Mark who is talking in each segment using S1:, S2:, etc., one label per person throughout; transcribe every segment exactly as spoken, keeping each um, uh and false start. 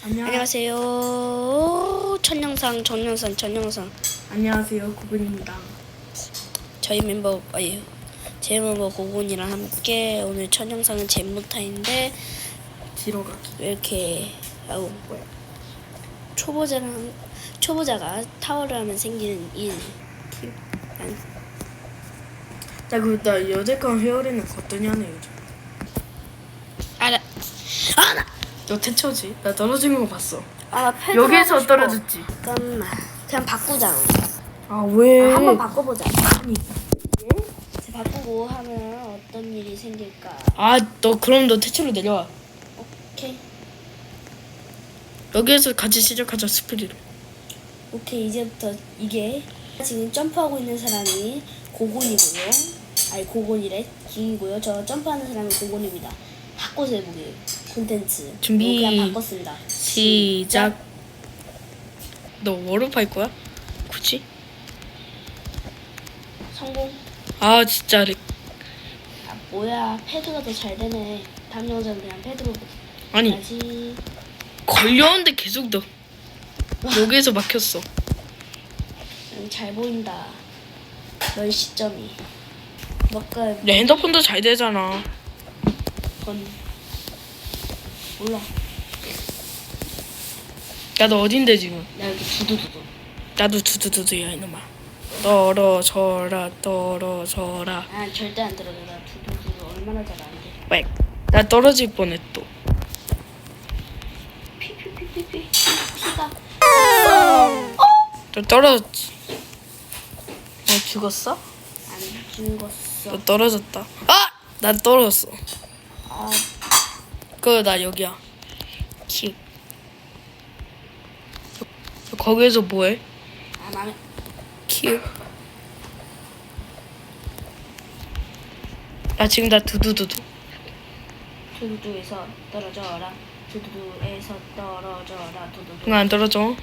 S1: 안녕.
S2: 안녕하세요. 첫 영상, 전 영상, 전 영상.
S1: 안녕하세요, 구근입니다.
S2: 저희 멤버, 아니, 제 멤버 고곤이랑 함께 오늘 첫 영상은 잼모타인데
S1: 뒤로 가기.
S2: 왜 이렇게 아우 뭐야 초보자랑 초보자가 타워를 하면 생기는 일. 난
S1: 나 그 나 여태껏 헤어리는 어떠냐네 요즘.
S2: 알아. 아 나.
S1: 너 태초지? 나 떨어지는 거 봤어.
S2: 아 패드
S1: 여기에서
S2: 하고 싶어.
S1: 떨어졌지.
S2: 잠깐만. 그냥 바꾸자.
S1: 아 왜?
S2: 아, 한번 바꿔보자.
S1: 아니.
S2: 이제 바꾸고 하면 어떤 일이 생길까?
S1: 아 너 그럼 너 태초로 내려와.
S2: 오케이.
S1: 여기에서 같이 시작하자 스피리로.
S2: 오케이 이제부터 이게 지금 점프하고 있는 사람이 고곤이고요. 아니 고곤이래 킹이고요. 저 점프하는 사람이 고곤입니다. 바꿔서 해보기 콘텐츠
S1: 준비.
S2: 이거 그냥 바꿨습니다.
S1: 시작. 너 워룹 할 거야? 굳이?
S2: 성공.
S1: 아 진짜 렉.
S2: 아 뭐야 패드가 더 잘 되네. 다음 영상 그냥 패드로
S1: 아니
S2: 다시.
S1: 걸렸는데 계속 너 여기에서 막혔어.
S2: 음, 잘 보인다. 널 시점이 뭔가
S1: 내 핸드폰도 잘 되잖아.
S2: 건 몰라.
S1: 나도 어딘데 지금?
S2: 나 여기 두두두두.
S1: 나도 두두두두야 이놈아. 떨어져라 떨어져라.
S2: 아 절대 안 들어가. 나 두두두두 얼마나 잘 안 돼.
S1: 빽. 나 떨어질 뻔했 또.
S2: 피피피피피 피가
S1: 너 떨어졌지? 너 죽었어?
S2: 안 죽었어.
S1: 너 떨어졌다. 아! 난 떨어졌어.
S2: 아
S1: 그 나 여기야. 키. 거기에서 뭐해?
S2: 아, 나는
S1: 키. 나 지금 나 두두두두.
S2: 두두두에서 떨어져라. 두두두에서 떨어져라. 두두두.
S1: 응 안 떨어져.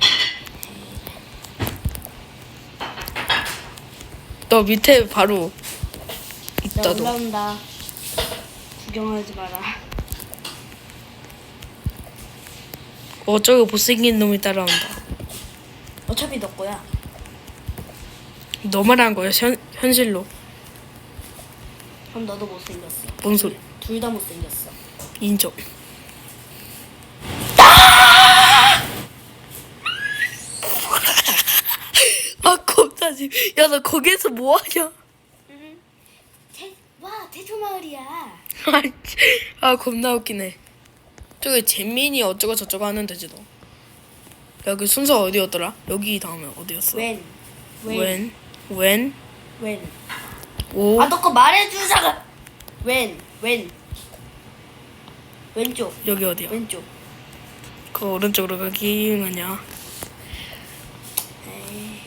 S1: 너 밑에 바로
S2: 나
S1: 있다 너.
S2: 올라온다. 구경하지 마라.
S1: 어쩌고 못생긴 놈이 따라온다.
S2: 어차피 너 거야.
S1: 너만 한 거야 현, 현실로.
S2: 그럼 너도 못생겼어.
S1: 뭔 소리?
S2: 둘 다 못생겼어.
S1: 인정. 아 겁나지. 야 너 거기에서 뭐하냐?
S2: 태, 와 태초마을이야.
S1: 아 겁나 웃기네. 저기 잼민이 어쩌고 저쩌고 하는 데지 너. 여기 순서 어디였더라? 여기 다음에 어디였어?
S2: 웬? 웬?
S1: 웬? 웬?
S2: 웬?
S1: 오?
S2: 아 너 거 말해주자가. 웬? 웬? 왼쪽.
S1: 여기 어디야?
S2: 왼쪽.
S1: 그 오른쪽으로 가기 아니야.
S2: 에이.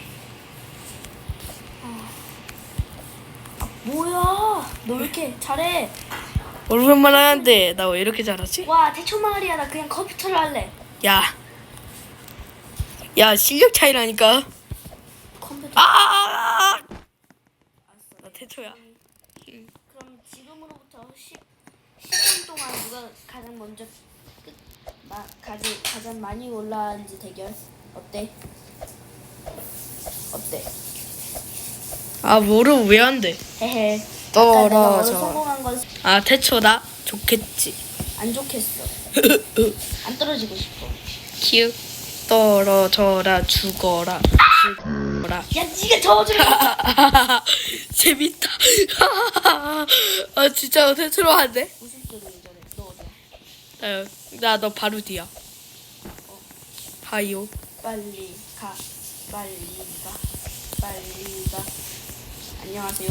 S2: 아. 아, 뭐야? 너 왜 이렇게 잘해?
S1: 오른쪽만 하는데 나 왜 이렇게 잘하지?
S2: 와 태초마을이야. 나 그냥 컴퓨터로 할래.
S1: 야. 야 실력 차이라니까.
S2: 컴퓨터.
S1: 아! 나 태초야.
S2: 그럼 지금으로부터 십 분 동안 누가 가장 먼저 끝, 마, 가지, 가장 많이 올라왔는지 대결 어때? 어때?
S1: 아 뭐를 왜 안 돼?
S2: 헤헤. 아까 내가 먼저
S1: 떨어져.
S2: 성공한 건
S1: 아 태초다? 좋겠지.
S2: 안 좋겠어. 안 떨어지고 싶어.
S1: 키읔. 떨어져라 죽어라 죽어라.
S2: 야 니가 저어주라.
S1: 재밌다. 아 진짜 태초로 한대?
S2: 무슨 소리 전에 너 어디야?
S1: 나 너 바로 뒤야. 하이요.
S2: 빨리 가. 빨리 가. 빨리 가. 안녕하세요.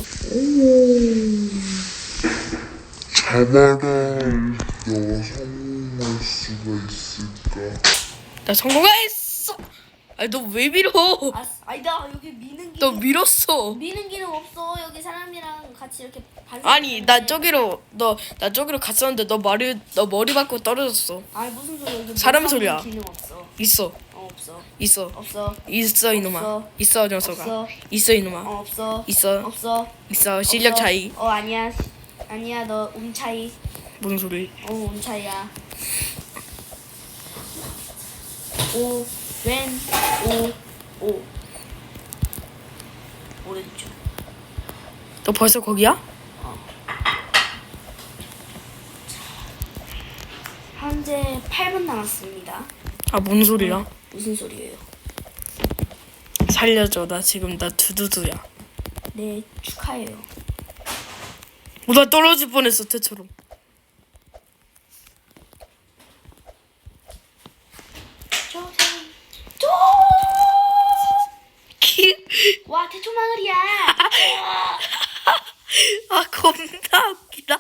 S3: 자바라 너가 성공할 수가 있을까?
S1: 나 성공했어. 아니 너 왜 밀어?
S2: 아, 아니다 여기 미는
S1: 너
S2: 기능
S1: 밀었어.
S2: 미는 기능 없어. 여기 사람이랑 같이 이렇게 반사.
S1: 아니 나 저기로 너 나 저기로 갔었는데 너 머리 너 머리 받고 떨어졌어.
S2: 아니 무슨 소리야? 여기
S1: 사람
S2: 못
S1: 소리야.
S2: 가는 기능 없어.
S1: 있어
S2: 어 없어.
S1: 있어
S2: 없어.
S1: 있어 이놈아.
S2: 없어.
S1: 있어 녀석아.
S2: 없어.
S1: 있어 이놈아.
S2: 어 없어.
S1: 있어
S2: 없어.
S1: 있어 실력
S2: 없어.
S1: 차이.
S2: 어 아니야. 아니야 너 음 차이.
S1: 뭔 소리?
S2: 어 음 차이야. 오, 왼, 오, 오. 오른쪽.
S1: 너 벌써 거기야?
S2: 현재 팔 분 남았습니다.
S1: 아, 뭔 소리야?
S2: 무슨 소리예요?
S1: 살려줘. 나 지금 나 두두두야.
S2: 네, 축하해요.
S1: 어, 나 떨어질 뻔했어, 태처럼.
S2: 저, 저, 와, 태초 마을이야.
S1: 아, 겁나 웃기다.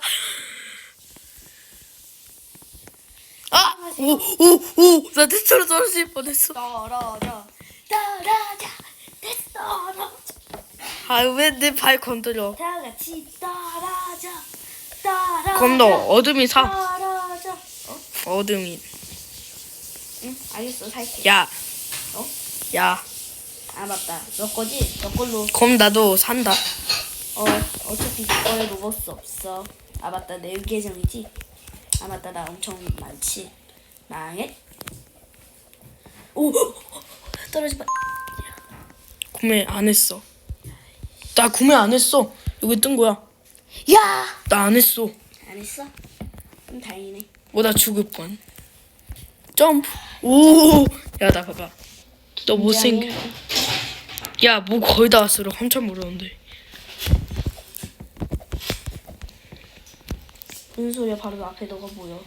S1: 아, 오, 오, 오, 나 태처럼 떨어질 뻔했어.
S2: 떨어져, 떨어져, 됐어, 떨어져.
S1: 아, 왜 내 발 건드려?
S2: 다 같이 떨어져, 떨어져.
S1: 그럼 너 어둠이 사.
S2: 떨어져. 어?
S1: 어둠이.
S2: 응, 알겠어, 살게.
S1: 야,
S2: 어?
S1: 야.
S2: 아 맞다, 너 거지? 너 걸로.
S1: 그럼 나도 산다.
S2: 어, 어차피 너 거에 먹을 수 없어. 아 맞다, 내 계정이지? 아 맞다, 나 엄청 많지. 망해? 오, 떨어지 마.
S1: 구매 안 했어. 나 구매 안 했어. 여기 뜬 거야.
S2: 야!
S1: 나 안 했어.
S2: 안 했어? 그럼 다행이네.
S1: 뭐 나 죽을 뻔. 점프. 오. 야, 나 봐봐. 너 못생겨. 야, 뭐 거의 다 왔어. 너 한참 모르는데.
S2: 무슨 소리야? 바로 앞에 너가 보여.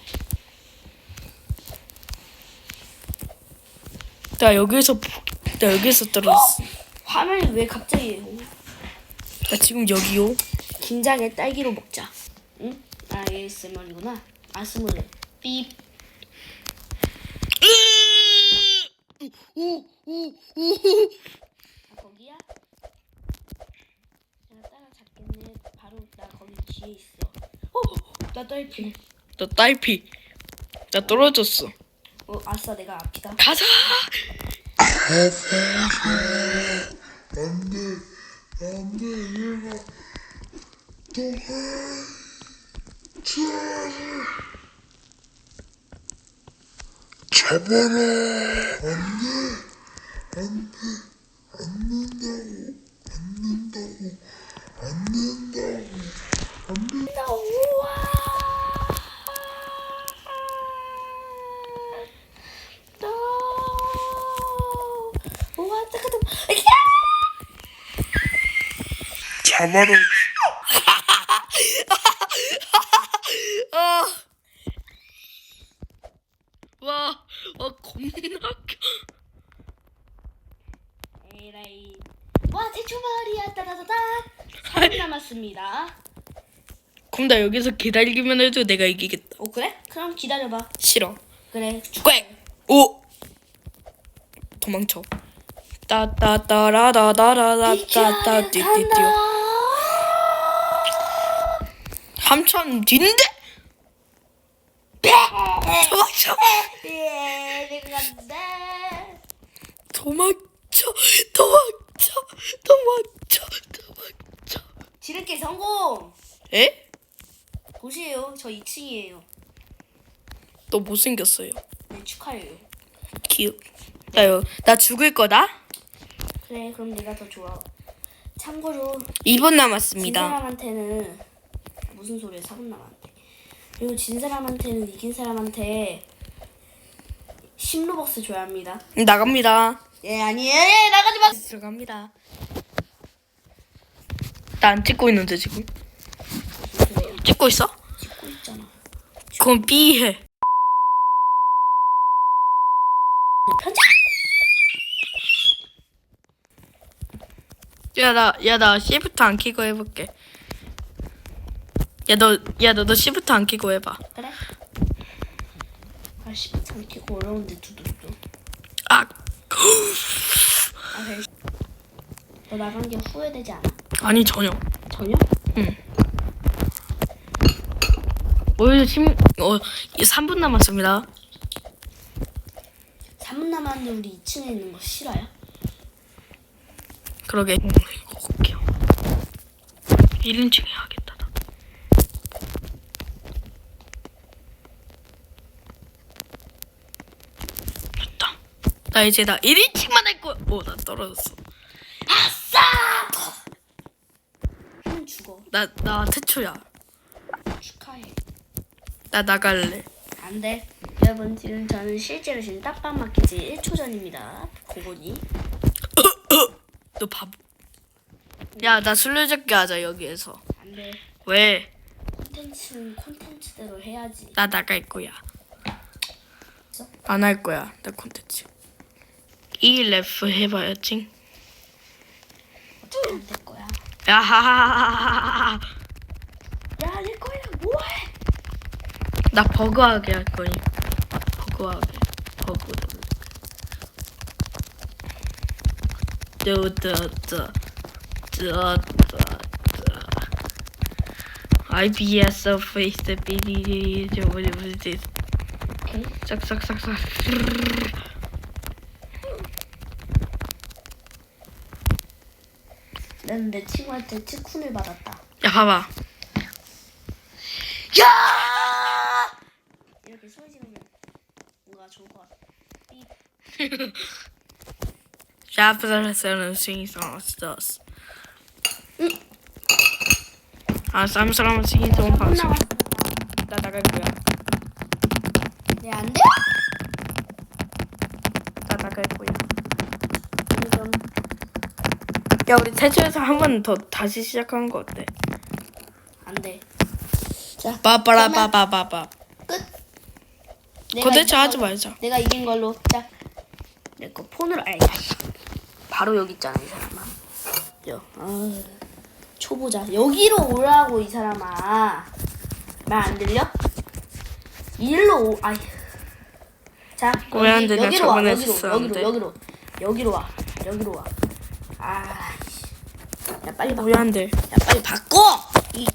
S1: 나 여기서 푹- 나 여기서 떨어졌어.
S2: 화면이 왜 갑자기?
S1: 나 지금 여기요.
S2: 긴장의 딸기로 먹자. 응? 아, 에이에스엠알이구나. 아스물. 삐. 아, 거기야? 내가 따라잡겠네. 바로 나 거기 뒤에 있어. 어, 나 딸피.
S1: 너 딸피. 나 떨어졌어.
S2: 어, 아싸, 내가 앞이다.
S1: 가자.
S3: 안돼 안돼 얘가 도망쳐 잡아라 안돼 안돼 안는다고 안는다고 안는다고
S2: 나 우와. 너. 우와, 잠깐만.
S3: 잡아라
S1: 아. 와, 와 겁나 웃겨.
S2: 에라이. 와, 대초 마을이야. 따다다다. 삼 분 남았습니다.
S1: 그럼 나 여기서 기다리기만 해도 내가 이기겠다.
S2: 어, 그래? 그럼 기다려봐.
S1: 싫어.
S2: 그래.
S1: 꽥! 오! 도망쳐. 따따따라다다라다따따 띠띠띠. 한참 뒤인데? 도망쳐.
S2: 예, 내가 간다.
S1: 도망쳐. 도망쳐. 도망쳐. 도망쳐.
S2: 지름길 성공.
S1: 에?
S2: 보세요. 저 이 층이에요.
S1: 너 못생겼어요.
S2: 네, 축하해요.
S1: 귀엽. 나, 요- 나 죽을 거다?
S2: 그래, 그럼 내가 더 좋아. 참고로
S1: 이 분
S2: 진
S1: 남았습니다.
S2: 사람한테는 무슨 소리야? 사 분 남았는데. 그리고 진 사람한테는 이긴 사람한테 십 로벅스 줘야 합니다.
S1: 나갑니다.
S2: 예, 아니에요. 예, 나가지 마.
S1: 들어갑니다. 나 안 찍고 있는데 지금.
S2: 그래요.
S1: 찍고 있어?
S2: 찍고 있잖아.
S1: 그럼 B해.
S2: 편집.
S1: 야, 나, 야, 나 C부터 안 키고 해볼게. 야, 너, 야, 너, 너 C부터 안 키고 해봐.
S2: 그래? 아, 십 참 키고 어려운데 두두두.
S1: 아,
S2: 아, 그래. 너 나간 게 후회되지 않아?
S1: 아니 전혀.
S2: 전혀?
S1: 오히려 심, 어, 삼 분 남았습니다.
S2: 삼 분 남았는데 우리 이 층에 있는 거 싫어요?
S1: 그러게. 음, 이거 웃겨. 일 인칭 해야겠다. 나. 됐다. 나 이제 나 일 인칭만 할 거야. 오, 나 떨어졌어.
S2: 형 죽어.
S1: 나, 나 태초야.
S2: 축하해.
S1: 나 나갈래.
S2: 안 돼. 여러분 지금 저는 실제로 지금 딱밤 맞기 지 일 초 전입니다. 고고니.
S1: 너 바보. 야, 나 술래잡기 하자, 여기에서.
S2: 안 돼.
S1: 왜?
S2: 콘텐츠는 콘텐츠대로 해야지.
S1: 나 나갈 거야. 안 할 거야, 나 콘텐츠. 이 래프 해봐야지.
S2: 어차피 안 될 거야.
S1: 야하하하하하.
S2: 야, 내 거야. 뭐해?
S1: 나 버그하게 할 거니. 버그하게. 버그. 뜨뜨뜨. 뜨뜨뜨. 아이피에스 페이스 비디 저번에 뭐지?
S2: 오케이.
S1: 싹싹싹싹.
S2: 나는 내 친구한테 치쿤을 받았다.
S1: 야, 봐봐.
S2: 야! 이렇게 소리 지르면 뭔가 좋을 것 같아. 삐.
S1: 샤프살살은 singing songs does. 아, 쌈사람은 singing song 방송.
S2: 나왔어.
S1: 나 나갈 거야.
S2: 네, 안 돼?
S1: 나 나갈 거야.
S2: 좀
S1: 야, 우리 태초에서 한 번 더 다시 시작하는 거 어때?
S2: 안 돼. 자,
S1: 빠빠라빠빠빠빠.
S2: 끝. 내가
S1: 콘텐츠
S2: 이긴
S1: 하지
S2: 걸로-
S1: 말자.
S2: 내가 이긴 걸로. 자, 내 거 폰으로. 아이, 바로 여기 있잖아 이 사람아. 여, 아, 초보자. 여기로 오라고 이 사람아. 말 안 들려? 일로 오. 아이. 자,
S1: 왜안 들려?
S2: 여기로 와.
S1: 저번에
S2: 여기로,
S1: 했었는데.
S2: 여기로, 여기로, 여기로 와. 여기로 와. 아, 씨. 야 빨리 바꿔.
S1: 왜 안 돼?
S2: 야 빨리 바꿔. 이.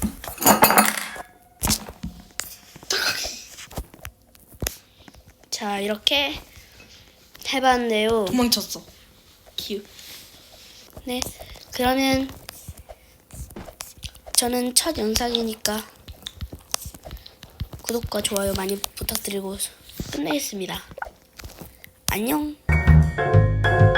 S2: 자, 이렇게 해봤는데요.
S1: 도망쳤어.
S2: 기우. 네, 그러면 저는 첫 영상이니까 구독과 좋아요 많이 부탁드리고 끝내겠습니다. 안녕.